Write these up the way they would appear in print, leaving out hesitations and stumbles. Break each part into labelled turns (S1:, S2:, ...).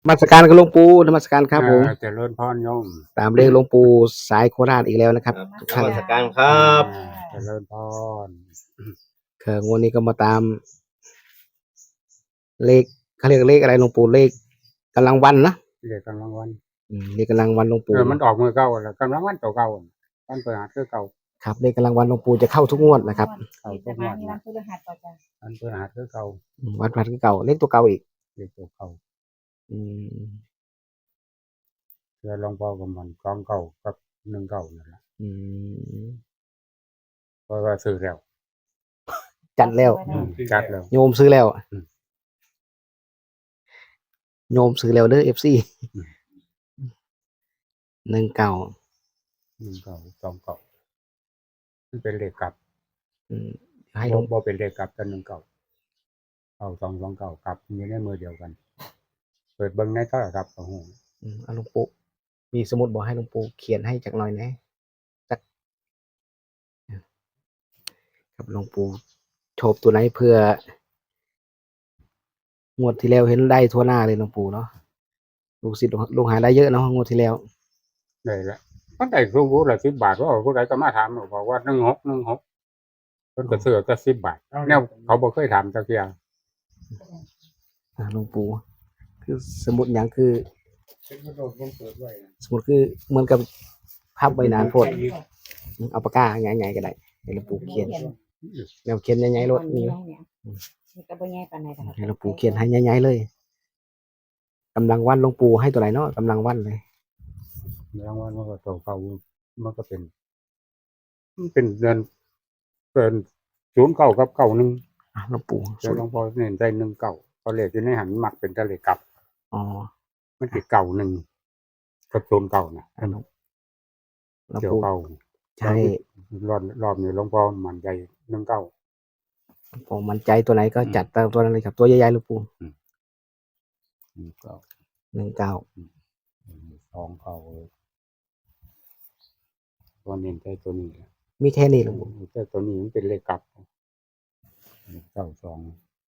S1: นมัสการกับหลวงปู่นมัสการครับผม
S2: เจริญพรโยม
S1: ตามเลขหลวงปู่สายโคราชอีกแล้วนะครับทุก
S3: น
S1: ท่าน
S3: มัสการครับ
S2: เจริญพร
S1: งวดนี้ก็มาตาม เลขเขาเรียกเลขอะไรหลวงปู่เลขกำลังวันนะ
S2: เรียกกำลังวัน
S1: เลขกำลังวันหลวงปู่
S2: มันออกมือเก่าแล้วกำลังวันเก่าวันเปิดหาคือเก่า
S1: ครับเลขกำลังวันหลวงปู่จะเข้าทุกงวดนะครับ
S2: เข้าทุกวันวันพฤหัสคือเก่า
S1: วัดคือเก่าเลขตัวเก่าอีก
S2: เรียกตัวเก่า
S1: อืม
S2: เพื่อหลวงพ่อกับมันกองเก่ากับ1 เก่านั่นแหละ เพราะว่าซื้อแล้ว
S1: จัดแล้ว
S2: จัดแล้ว
S1: โยมซื้อแล้วโยมซื้อแล้วเด้อ FC 1 เก่า
S2: 1 เก่า2 เก่ามันเป็นเลขกลับ
S1: ให้หลวง
S2: บ่เป็นเลขกลับแต่1 เก่าเอา2 เก่ากลับอยู่ในมือเดียวกัน เปิดเบิ่งในโทรศัพท์ก็ฮู้
S1: หลวงปู่มีสมุดบอกให้หลวงปู่เขียนให้จักหน่อยนะจักครับหลวงปู่โชบตัวไหนเพื่องวดที่แล้วเห็นได้ทั่วหน้าเลยหลวงปู่เนาะลูกศิษย์ลูกหาได้เยอะเนาะงวดที่แล้ว
S2: ได้ละมันได้รู้ผู้ละ10 บาทว่าผู้ใดก็มาถามบอกว่า16เพิ่นก็ซื้อแต่10 บาทแนวเขาบ่เคยถามจักเที่ย
S1: หลวงปู่คือสมุดหยังคือสมุดคือเหมือนกับภาพใบหนานโพดเอาปากกาใหญ่ๆก็ได้ให้หลวงปู่เขียนแนวเขียนใหญ่ๆรถมีให้หลวงปู่เขียนให้ใหญ่ๆเลยกำลังวันหลวงปู่ให้ตัวไหนเนาะกำลังวันเลย
S2: รางวัลมันก็ตัวเก่ามันก็เป็นเดือนเป็น09กับ91
S1: หลวงปู่
S2: แต่หลวงพ่อเน้นได้1 เก่าเพราะเลขอยู่ในหันมักเป็นแต่เลขกลับ
S1: อ๋อ
S2: มันสิเก่า1กับ09น่ะ
S1: หลวง
S2: เกี่ยว
S1: ปู่
S2: เก่า
S1: ใช่
S2: รอบนี้หลวงพ่อมั่นใจ1 เก่า
S1: ผมมั่นใจตัวไหนก็จัดตามตัวนั้นเลยครับตัวใหญ่ๆหลวงปู่
S2: 1 เก่า
S1: 19
S2: 2 เก่าตัวเน้นใจตัวนี้แหละ
S1: มีแค่นี้หลวงปู่
S2: แต่ตัวนี้มันเป็นเลขกลับ92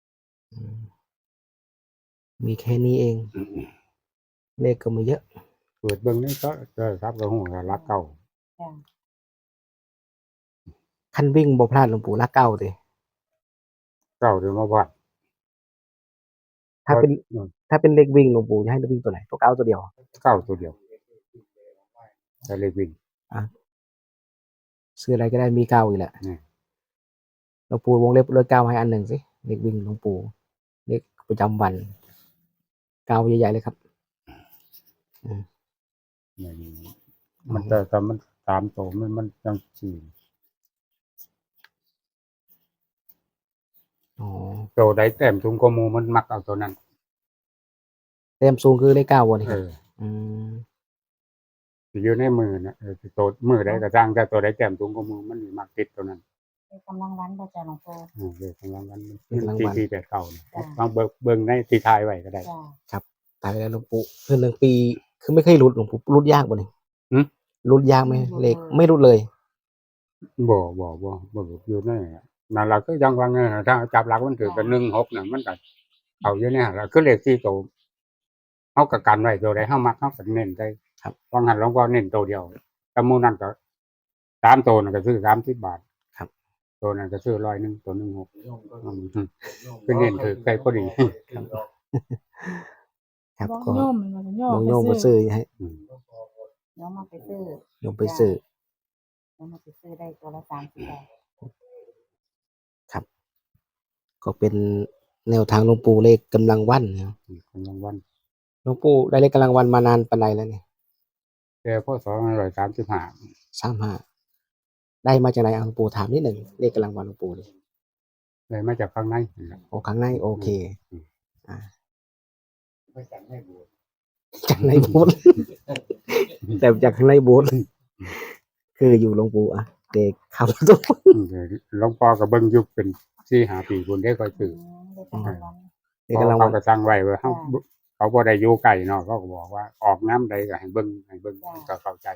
S1: มีแค่นี้เอง เลขก็ไม่เยอะ
S2: เปิดเบิ่งนี่ก็ครับก็ฮู้ว่ารักเก่า
S1: คันวิ่งบ่พลาดหลวงปู่ละเก้าติ
S2: เก่าหรือมาวัด
S1: ถ้าเป็นเลขวิ่งหลวงปู่จะให้เลขวิ่งตัวไหนตัวเก้าตัวเดียว
S2: เก่าตัวเดียวแต่เลขวิ่ง
S1: ซื้ออะไรก็ได้มีเก้าอีกแหละ หลวงปู่วงเล็บเลขเก้าให้อันหนึ่งสิเลขวิ่งหลวงปู่เลขประจำวันเก้าใหญ่ๆเลยครับ
S2: มันแต่มัน3 ตัวมันจังซี่
S1: อ๋อ
S2: ตัวใดแต้มสูงกว่าหมู่มันมักเอาตัวนั้น
S1: เต็มสูงคือเลขเก้าวันนี้ครับ
S2: สิอยู่ในมือน่ะตัวมือใดก็สร้างแต่ตัวใดแต้มสูงกว่าหมู่มันสิมักติดตัวนั้น
S4: กำลังวันบ่จ้ะหลวงพ่อ
S2: เลขกำลังวันที่8เก่านี่ลองเบิ่งในที่ถ่ายไว้ก็ได้
S4: จ้ะ
S1: ตายไปแล้วหลวงปู่คือ1 ปีคือไม่เคยหลุดหลวงปู่หลุดยากบ่นี่หลุดยากไหมเลขไม่หลุดเลย
S2: บ่อยู่ในนั่นล่ะคือจังว่าไงถ้าจับหลักมันถือเป็น16น่ะมันก็เอาอยู่ในหั่นล่ะคือเลข4ตัวเฮาก็กันไว้ตัวใดเฮามักเฮาก็เน้นได้
S1: ครับ
S2: ว่างั้นหลวงพ่อเน้นตัวเดียวแต่หมู่นั้นก็3ตัวนั่นก็ซื้อ30 บาท
S1: ครับ
S2: ตัวนั้นก็ซื้อ100ตัว16คือเน้นถือใกล้พอดี
S1: ครับ
S4: น้อง
S1: ก็
S4: โยมมัน
S1: โยมมาซื้อให้
S4: น้องมาไปซื้อ
S1: โยมไปซื้อ
S4: น้องมาไปซื้อได้ตัวละ30 บาท
S1: ก็เป็นแนวทางหลวงปู่เลขกำลังวันนะครับ
S2: กำลังวัน
S1: หลวงปู่ได้เลขกำลังวันมานานปานใดแล้วเนี่ย
S2: แต่พศ135
S1: 35ได้มาจากไหนหลวงปู่ถามนิดหนึ่งเลขกำลังวันหลวงปู่เลย
S2: ได้มาจากข้างในนั่นแหละ
S1: โอ้ครั้งในโอเค
S2: มาจากในโบสถ์
S1: จากในโบสถ์ แต่จากข้างในโบสถ์คืออยู่หลวงปู่เด็กขับรถ
S2: หลวงพ่อก็เบิ่งอยู่เป็น4-5 ปีพุ่นได้ค่อยซื้อ
S4: ได้กำลังวัน
S1: เลขกำลังวัน
S2: เขาก็สั่งไว้ว่าเขาบ่ได้อยู่ใกล้เนาะเขาก็บอกว่าออกน้ำใดก็ให้เบิ่งก็เข้าใจ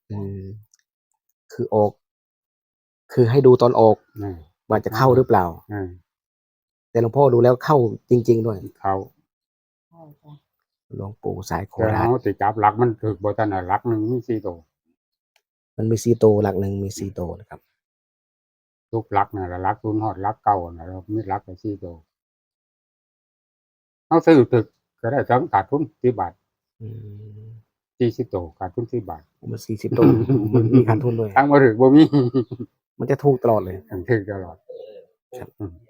S1: คือออก คือให้ดูตอนออก
S2: อืม
S1: ว่าจะเข้าหรือเปล่า แต่หลวงพ่อดูแล้วเข้าจริงๆด้วย
S2: เขา
S4: ใช่จ้ะ
S1: หลวงปู่สายโค
S2: แต่
S1: ราช
S2: เฮาสิจับหลักมันถูกบ่ทันน่ะหลักหนึงมี4ตัว
S1: มันมี4ตัวหลักหนึ่งมี4ตัวนะครับ
S2: ทุกหลักนั่นล่ะหลัก0ฮอดหลัก9นั่นล่ะมีหลักก็4ตัวเฮาซื้อถึกก็ได้ทั้งขาดทุน10 บาท
S1: อืม
S2: 40ตัวขาดทุน10 บาท
S1: มัน40ตัวมันมีขาดทุนด้วย
S2: ทั้งบ่ถึกบ่มี
S1: มันจะถูกตลอดเลย
S2: ถึกตลอด
S1: ครับ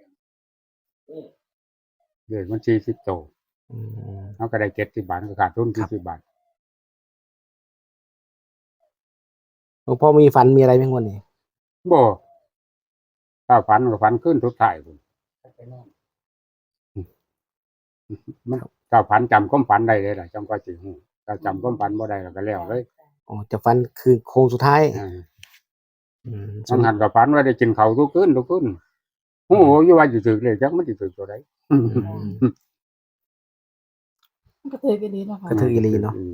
S2: เลขมัน40ตัว
S1: อืม
S2: เฮาก็ได้70 บาทก็ขาดทุน
S1: ครับ
S2: 40 บาท
S1: หลวงพ่อมีฝันมีอะไรไหมงวดนี้
S2: บ่ถ้าฝันก็ฝันคืนสุดท้ายพุ่นมันถ้าฝันจำความฝันได้เลยล่ะจังก็สิฮู้ถ้าจำความฝันบ่ได้ก็แล้วเลย
S1: อ๋อจะฝันคือโค้งสุดท้าย
S2: อ่า
S1: อืม
S2: บางหันก็ฝันว่าได้กินข้าวทุกคืนฮู้อยู่ว่าสิถึกเลขจักมันสิถึกตัวใด
S4: มันก็ถือกันดีเนาะค่ะ
S1: ก็ถืออีหลีเนาะ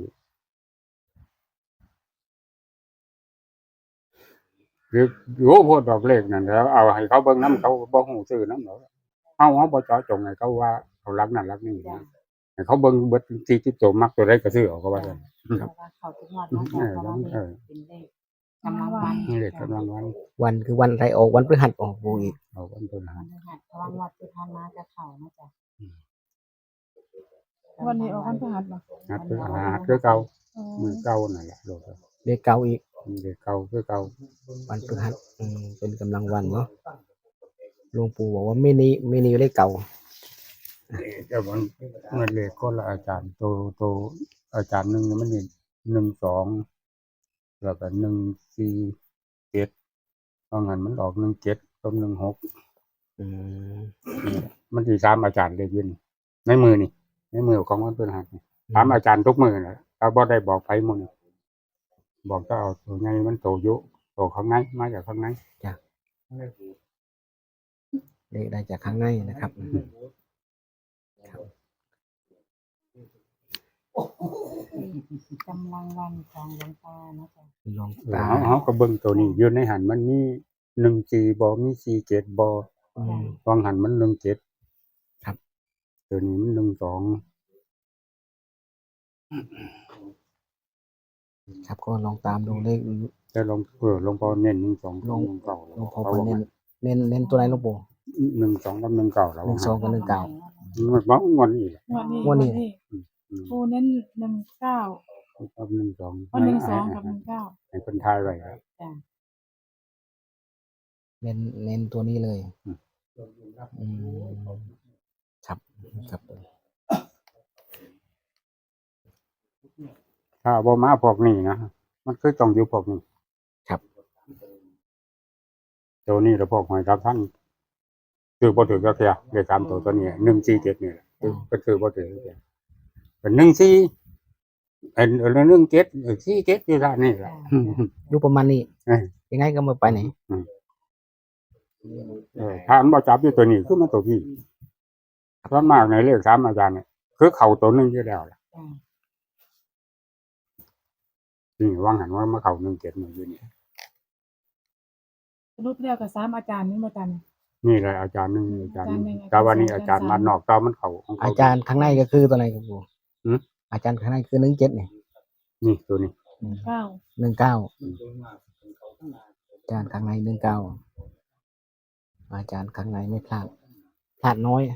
S2: คือโอ้โพดดอกเลขนั่นแล้วเอาให้เขาเบิ่งนำเขาบ่ฮู้ซื้อนำดอกเฮาบ่เจาะจงให้เขาว่าเขารักนั่นรักนี่นะให้เขาเบิ่งเบิด40ตัวมักตัวใดก็ซื้อเอาก็ว่าซั่น
S4: เพราะว่าเขาทุกงวดเนาะเพราะว่าเลขเป็นเลขกำลังวัน
S2: เลขกำลังวัน
S1: วันคือวันไรออกวันพฤหัสออกปูอีก
S2: เอาวันพฤหัส
S4: เพราะว่างวดที่ผ่านมาจะเข้านะจ๊ะ
S3: วันนี้ออกวันพฤหัสบ่
S2: นัดพฤหัสคือเก่ามื้อเก่านั่นแหละโลด
S1: เลขเก่าอีก
S2: เลขเก่าคือเก่า
S1: วันพฤหัสเป็นกำลังวันเนาะหลวงปู่บอกว่าไม่นีเลขเก่า
S2: แต่มันเลขคนละอาจารย์โตอาจารย์หนึงมันนี่12แล้วก็147เพราะงั้นมันออก17กับ16
S1: อืม
S2: มันสิ3อาจารย์เลขอยู่นี่ในมือนี่ในมือของวันพฤหัสนี่ถามอาจารย์ทุกมื้อน่ะถ้าบ่ได้บอกไผหมื้อนี้บอกถ้าเอาตัวใหญ่มันโตอยู่โตข้างในมาจากข้างใน
S1: เลขได้จากข้างในนะครับ
S4: กำลังวันของหลวงตานะจ๊ะ
S1: หลวง
S2: แล้
S1: ตา
S2: วเฮาก็เบิ่งตัวนี้อยู่ในหันมันมี14บ่มี47บ่
S1: อืม
S2: วางหันมัน17
S1: ครับ
S2: ตัวนี้มัน12
S1: ครับก็ลองตามดูเลข
S2: แต่หลวงพ่อเน้น12
S1: หลวง
S2: 19
S1: หลวงพ่อไปเน้นตัวไหนหลวงปู่
S2: 12กับ19แล้ว
S1: 12 กับ 19
S2: มันบ่งอนอีก
S3: วันนี้
S1: วันนี้
S3: ปูเน้น19
S2: กับ12
S3: วัน12กับ19
S2: ให้เพิ่นทายไว้ครับ
S4: จ้ะ
S1: เน้นตัวนี้เลย
S2: อืม
S1: อืมครับครับ
S2: ถ้าบ่มาพวกนี้นะมันคือต้องอยู่พวกนี้
S1: ครับ
S2: ตัวนี้แล้วพวกหอยทับท่านคือบ่ถือก็แค่เลข3ตัวนี้147นี่แหละคือก็คือบ่ถือแค่เป็น14เป็น17 47อยู่ด้านนี้แหละ
S1: อยู่ประมาณนี้
S2: เออ
S1: ยังไงก็ไม่ไปไหน
S2: ถ้ามันบ่จับอยู่ตัวนี้คือมันตัวพี่ส่วนมากในเลข3อาจารย์เนี่ยคือเข้าตัวหนึงอยู่แล้วล่ะ
S4: จ้ะ
S2: นี่วางหันว่ามาเข้า17นี่อยู่นี่
S3: สรุปแล้วก็3อาจารย์นี่บ่จัน
S2: นี่แหละอาจารย์หนึงอาจารย์หนึ่ง
S3: อาจารย์หนึ่ง
S2: แต่วันนี้อาจารย์มานอกตามันเข้าของเขา
S1: อาจารย์ข้างในก็คือตัวไหนครับปู่
S2: หืม
S1: อาจารย์ข้างในคือ17เนี่ย
S2: นี่ตัวนี้
S3: 9
S1: 19อาจารย์ข้างใน19อาจารย์ข้างในไม่พลาดน้อย